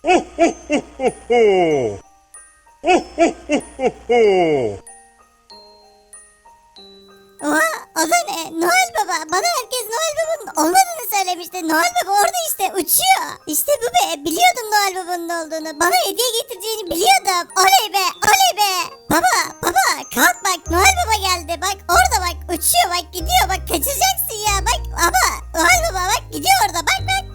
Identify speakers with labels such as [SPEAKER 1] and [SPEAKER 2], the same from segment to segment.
[SPEAKER 1] Oha, o da ne? Noel Baba. Bana herkes Noel Baba'nın olmadığını söylemişti. Noel Baba orada işte uçuyor. İşte bu be. Biliyordum Noel Baba'nın olduğunu. Bana hediye getireceğini biliyordum. Oley be, oley be. Baba kalk bak, Noel Baba geldi. Bak orada bak, uçuyor bak, gidiyor bak, kaçacaksın ya. Bak baba, Noel Baba bak gidiyor orada, bak bak.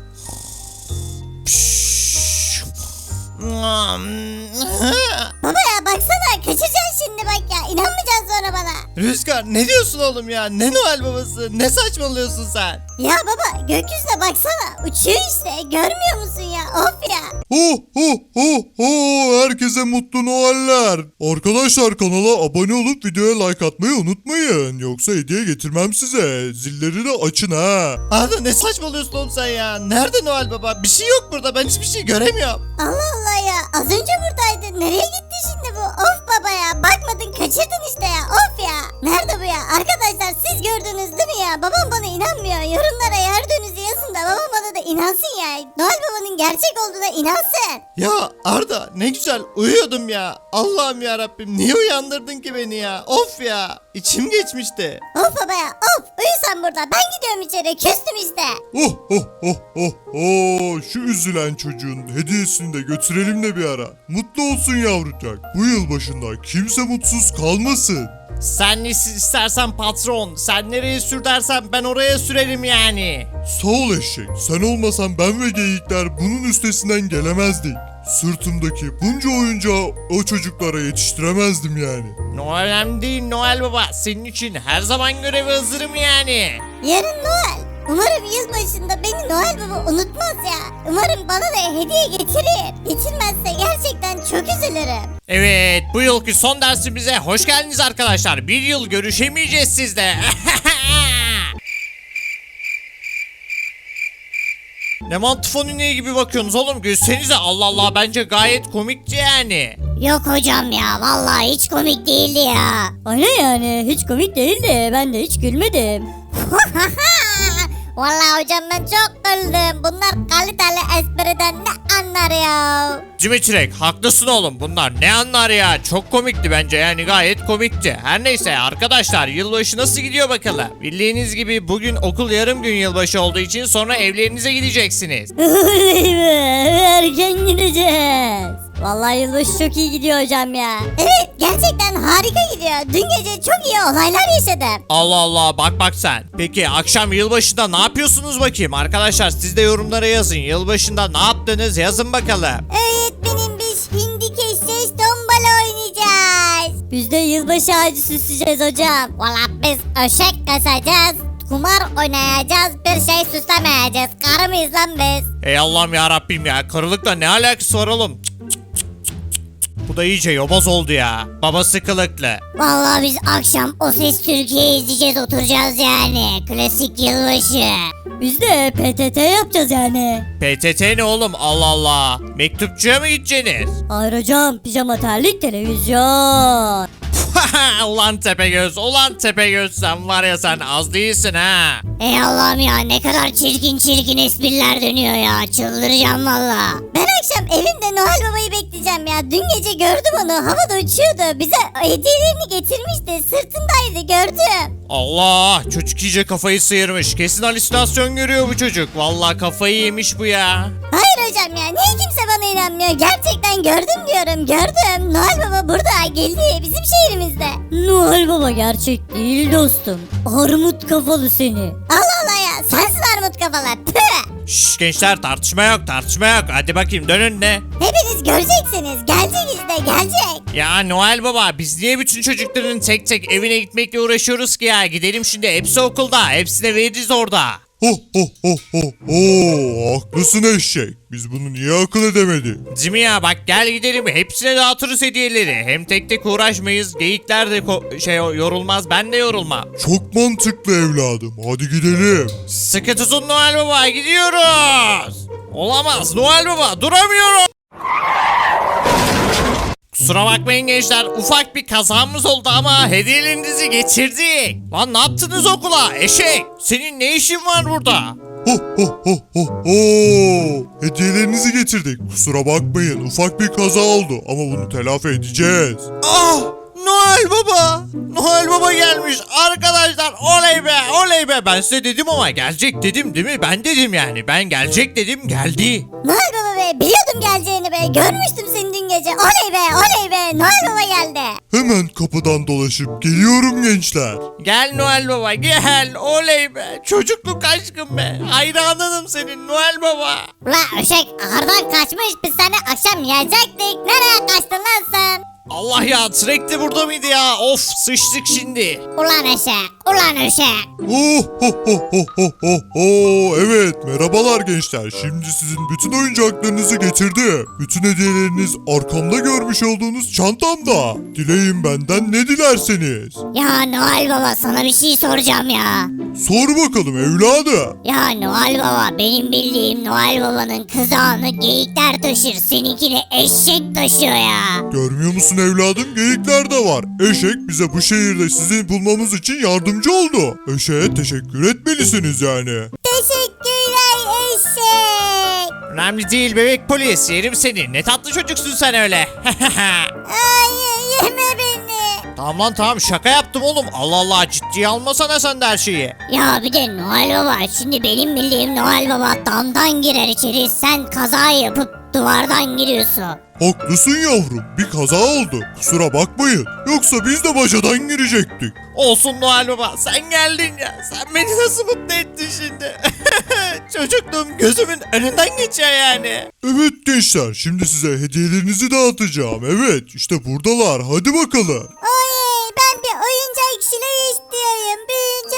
[SPEAKER 1] Baba ya baksana, kaçacaksın şimdi bak ya. İnanmayacaksın sonra bana.
[SPEAKER 2] Rüzgar ne diyorsun oğlum ya? Ne Noel babası? Ne saçmalıyorsun sen?
[SPEAKER 1] Ya baba, gökyüzüne baksana. Uçuyor işte. Görmüyor musun ya? Of ya.
[SPEAKER 3] Ho ho ho ho, herkese mutlu Noeller. Arkadaşlar, kanala abone olup videoya like atmayı unutmayın. Yoksa hediye getirmem size. Zilleri de açın ha.
[SPEAKER 2] Arda ne saçmalıyorsun oğlum sen ya? Nerede Noel baba? Bir şey yok burada. Ben hiçbir şey göremiyorum.
[SPEAKER 1] Allah Allah ya. Az önce buradaydı. Nereye gitti şimdi bu? Of baba ya. Bakmadın, kaçırdın işte ya. Of ya. Nerede bu ya? Arkadaşlar siz gördünüz değil mi ya? Babam bana inanmıyor. Yorumlara gördüğünüzü yazın da babam bana da inansın ya. Noel Baba'nın gerçek olduğuna inansın.
[SPEAKER 2] Ya Arda ne güzel uyuyordum ya. Allah'ım ya Rabbim, niye uyandırdın ki beni ya? Of ya. İçim geçmişti.
[SPEAKER 1] Of baba ya. Of. Uyu sen burada. Ben gidiyorum içeri. Küstüm işte.
[SPEAKER 3] Oh oh oh oh oh. Şu üzülen çocuğun hediyesini de götürelim de bir ara. Mutlu olsun yavrucak. Bu yıl başında kimse mutsuz kalmasın.
[SPEAKER 2] Sen ne istersen patron. Sen nereye sür dersen ben oraya sürerim yani.
[SPEAKER 3] Sağ ol eşek. Sen olmasan ben ve geyikler bunun üstesinden gelemezdik. Sırtımdaki bunca oyuncağı o çocuklara yetiştiremezdim yani.
[SPEAKER 2] Önemli değil Noel baba. Senin için her zaman göreve hazırım yani.
[SPEAKER 1] Yarın Noel. Umarım yılbaşında beni Noel Baba unutmaz ya. Umarım bana da hediye getirir. Getirmezse gerçekten çok üzülürüm.
[SPEAKER 2] Evet, bu yılki son dersimize hoş geldiniz arkadaşlar. Bir yıl görüşemeyeceğiz sizle. Ne mantıfonine gibi bakıyorsunuz oğlum, gülsenize. Allah Allah, bence gayet komikti yani.
[SPEAKER 1] Yok hocam ya, vallahi hiç komik değildi ya.
[SPEAKER 4] Aynen yani, hiç komik değildi. Ben de hiç gülmedim.
[SPEAKER 1] Vallahi hocam ben çok güldüm. Bunlar kaliteli espriden ne anlar ya?
[SPEAKER 2] Cimçirek haklısın oğlum, bunlar ne anlar ya, çok komikti bence yani, gayet komikti. Her neyse arkadaşlar, yılbaşı nasıl gidiyor bakalım. Bildiğiniz gibi bugün okul yarım gün yılbaşı olduğu için sonra evlerinize gideceksiniz.
[SPEAKER 4] Oley be, erken gideceğiz. Vallahi yılbaşı çok iyi gidiyor hocam ya.
[SPEAKER 1] Evet, gerçekten harika gidiyor. Dün gece çok iyi olaylar yaşadım.
[SPEAKER 2] Allah Allah, bak sen. Peki akşam yılbaşında ne yapıyorsunuz bakayım arkadaşlar, siz de yorumlara yazın. Yılbaşında ne yaptınız yazın bakalım.
[SPEAKER 1] Öğretmenim, biz hindi keseceğiz, tombala oynayacağız.
[SPEAKER 4] Biz de yılbaşı ağacı süsleyeceğiz hocam.
[SPEAKER 1] Valla biz öşek kasacağız, kumar oynayacağız, bir şey süslemeyeceğiz. Karı mıyız lan biz?
[SPEAKER 2] Ey Allah'ım ya Rabbim ya, karılıkla ne alakası var oğlum? Bu da iyice yobaz oldu ya. Babası kılıklı.
[SPEAKER 1] Vallahi biz akşam O Ses Türkiye izleyeceğiz, oturacağız yani. Klasik yılbaşı.
[SPEAKER 4] Biz de PTT yapacağız yani.
[SPEAKER 2] PTT ne oğlum, Allah Allah. Mektupçuya mı gideceksiniz?
[SPEAKER 4] Hayır hocam, pijama terlik televizyon.
[SPEAKER 2] Ulan Tepegöz, ulan Tepegöz, sen var ya, sen az değilsin ha.
[SPEAKER 1] Ey Allah'ım ya, ne kadar çirkin espriler dönüyor ya. Çıldıracağım valla. Ben akşam evimde Noel Baba'yı bekleyeceğim ya. Dün gece gördüm onu, havada uçuyordu. Bize hediyelerini getirmişti. Sırtındaydı, gördüm.
[SPEAKER 2] Allah, çocuk iyice kafayı sıyırmış. Kesin halüsinasyon görüyor bu çocuk. Vallahi kafayı yemiş bu ya.
[SPEAKER 1] Hayır hocam ya, niye kimse bana inanmıyor? Gerçekten gördüm diyorum, gördüm. Noel Baba burada, geldi bizim şehrimizde.
[SPEAKER 4] Noel Baba gerçek değil dostum. Armut kafalı seni.
[SPEAKER 1] Allah Allah ya, sensin armut kafalar. Püh.
[SPEAKER 2] Şşş gençler, tartışma yok, tartışma yok. Hadi bakayım, dönün de.
[SPEAKER 1] Hepiniz göreceksiniz, gelecek işte, gelecek.
[SPEAKER 2] Ya Noel Baba, biz niye bütün çocukların tek tek evine gitmekle uğraşıyoruz ki ya? Gidelim şimdi, hepsi okulda. Hepsine veririz orada.
[SPEAKER 3] Ho ho ho ho ho. Haklısın eşek. Biz bunu niye akıl edemedik?
[SPEAKER 2] Cimi ya bak, gel gidelim, hepsine dağıtırız hediyeleri. Hem tek tek uğraşmayız. Geyikler de yorulmaz, ben de yorulmam.
[SPEAKER 3] Çok mantıklı evladım. Hadi gidelim.
[SPEAKER 2] Sıkı tutun Noel Baba, gidiyoruz. Olamaz Noel Baba, duramıyorum. Kusura bakmayın gençler, ufak bir kazamız oldu ama hediyelerinizi getirdik. Lan ne yaptınız okula eşek? Senin ne işin var burada?
[SPEAKER 3] Ho ho ho ho ho. Hediyelerinizi getirdik. Kusura bakmayın, ufak bir kaza oldu ama bunu telafi edeceğiz.
[SPEAKER 2] Ah! Noel Baba! Noel Baba gelmiş arkadaşlar, oley be oley be, ben size dedim ama gelecek dedim değil mi? Ben dedim yani, ben gelecek dedim, geldi.
[SPEAKER 1] Noel Baba be, biliyordum geleceğini be. Görmüştüm seni dün gece. Oley be oley be, Noel Baba geldi.
[SPEAKER 3] Hemen kapıdan dolaşıp geliyorum gençler.
[SPEAKER 2] Gel Noel Baba gel, oley be, çocukluk aşkım be, hayranınım senin Noel Baba.
[SPEAKER 1] Ula Öşek, ağırdan kaçmış, biz seni akşam yiyecektik. Nereye kaçtın lan sen?
[SPEAKER 2] Allah ya, sürekli burada mıydı ya? Of, sıçtık şimdi.
[SPEAKER 1] Ulan Öşek, ulan Öşek.
[SPEAKER 3] Oh ho ho ho ho ho ho. Evet, merhabalar gençler. Şimdi sizin bütün oyuncaklarınızı getirdim. Bütün hediyeleriniz arkamda görmüş olduğunuz çantamda. Dileyin benden ne dilerseniz.
[SPEAKER 1] Ya Noel Baba, sana bir şey soracağım ya.
[SPEAKER 3] Sor bakalım evladım.
[SPEAKER 1] Ya Noel Baba, benim bildiğim Noel Baba'nın kızağını geyikler taşır, seninkini eşek taşıyor ya.
[SPEAKER 3] Görmüyor musun evladım? Geyikler de var. Eşek bize bu şehirde sizi bulmamız için yardımcı oldu. Eşeğe teşekkür etmelisiniz yani.
[SPEAKER 1] Teşekkürler eşek.
[SPEAKER 2] Önemli değil bebek polis, yerim seni. Ne tatlı çocuksun sen öyle.
[SPEAKER 1] Ay, yeme beni.
[SPEAKER 2] Tamam lan tamam, şaka yaptım oğlum. Allah Allah, ciddiye almasana sen de her şeyi.
[SPEAKER 1] Ya bir de Noel Baba, şimdi benim bildiğim Noel Baba damdan girer içeri, sen kaza yapıp duvardan giriyorsun.
[SPEAKER 3] Haklısın yavrum. Bir kaza oldu. Kusura bakmayın. Yoksa biz de bacadan girecektik.
[SPEAKER 2] Olsun Noel Baba, sen geldin ya. Sen beni nasıl mutlu ettin şimdi. Çocukluğum gözümün önünden geçiyor yani.
[SPEAKER 3] Evet gençler, şimdi size hediyelerinizi dağıtacağım. Evet, işte buradalar. Hadi bakalım.
[SPEAKER 1] Oy, ben bir oyuncak silah istiyorum. Büyüyünce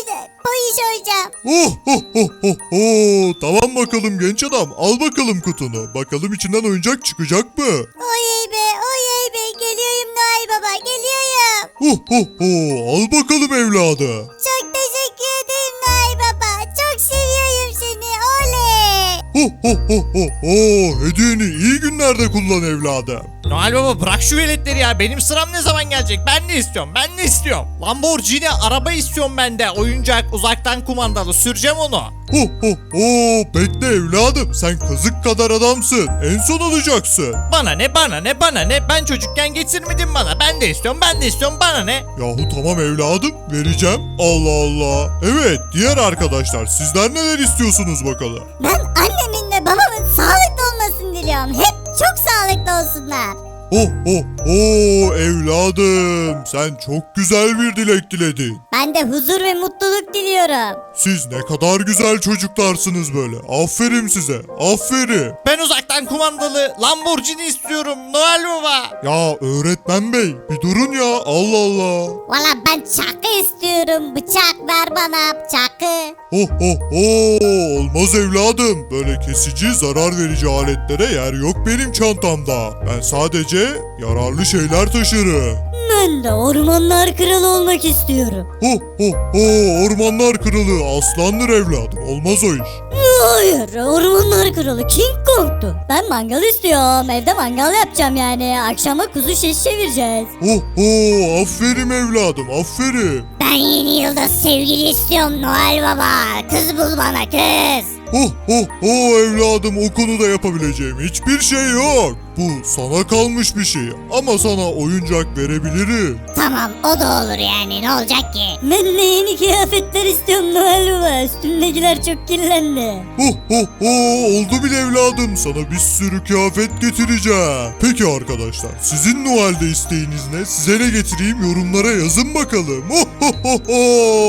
[SPEAKER 1] polis olacağım.
[SPEAKER 3] Oh ho ho ho ho. Tamam bakalım genç adam. Al bakalım kutunu. Bakalım içinden oyuncak çıkacak mı?
[SPEAKER 1] Oy be, geliyorum Noel Baba, geliyorum.
[SPEAKER 3] Ho ho ho. Al bakalım evladı.
[SPEAKER 1] Çok teşekkür ederim Noel Baba. Çok seviyorum seni, oley.
[SPEAKER 3] Ho ho ho ho ho. Hediyeni iyi günlerde kullan evladım.
[SPEAKER 2] Noel Baba bırak şu veletleri ya. Benim sıram ne zaman gelecek? Ben ne istiyorum? Ben ne istiyorum? Lamborghini araba istiyorum ben de. Oyuncak, uzaktan kumandalı. Süreceğim onu.
[SPEAKER 3] Ho ho ho. Bekle evladım. Sen kazık kadar adamsın. En son alacaksın.
[SPEAKER 2] Bana ne bana ne bana ne? Ben çocukken getirmedin bana. Ben de istiyorum, ben de istiyorum. Bana ne?
[SPEAKER 3] Yahu tamam evladım. Vereceğim. Allah Allah. Evet, diğer arkadaşlar sizler neler istiyorsunuz bakalım?
[SPEAKER 1] Ben annemin ve babamın sağlıklı olmasını diliyorum. Hep çok sağlıklı olsunlar.
[SPEAKER 3] Ho ho ho evladım. Sen çok güzel bir dilek diledin.
[SPEAKER 1] Ben de huzur ve mutluluk diliyorum.
[SPEAKER 3] Siz ne kadar güzel çocuklarsınız böyle. Aferin size. Aferin.
[SPEAKER 2] Ben uzaktan kumandalı Lamborghini istiyorum Noel Baba.
[SPEAKER 3] Ya öğretmen bey bir durun ya. Allah Allah.
[SPEAKER 1] Valla ben çakı istiyorum. Bıçak ver bana, çakı.
[SPEAKER 3] Ho ho ho. Olmaz evladım. Böyle kesici, zarar verici aletlere yer yok benim çantamda. Ben sadece yararlı şeyler taşırım.
[SPEAKER 4] Ben de ormanlar kralı olmak istiyorum.
[SPEAKER 3] Ho ho ho. Ormanlar kralı aslandır evladım. Olmaz o iş.
[SPEAKER 4] Hayır, ormanlar kralı King Kong'tu. Ben mangal istiyorum. Evde mangal yapacağım yani. Akşama kuzu şiş çevireceğiz.
[SPEAKER 3] Ho ho. Aferin evladım. Aferin.
[SPEAKER 1] Ben yeni yılda sevgili istiyorum Noel Baba. Kız bul bana, kız.
[SPEAKER 3] Ho ho ho evladım, o konuda yapabileceğim hiçbir şey yok. Bu sana kalmış bir şey ama sana oyuncak verebilirim.
[SPEAKER 1] Tamam, o da olur yani, ne olacak ki?
[SPEAKER 4] Ben de yeni kıyafetler istiyorum Noel Baba. Üstümdekiler çok kirlendi.
[SPEAKER 3] Ho ho ho oldu bile evladım, sana bir sürü kıyafet getireceğim. Peki arkadaşlar, sizin Noel'de isteğiniz ne? Size ne getireyim, yorumlara yazın bakalım. Ho ho ho ho.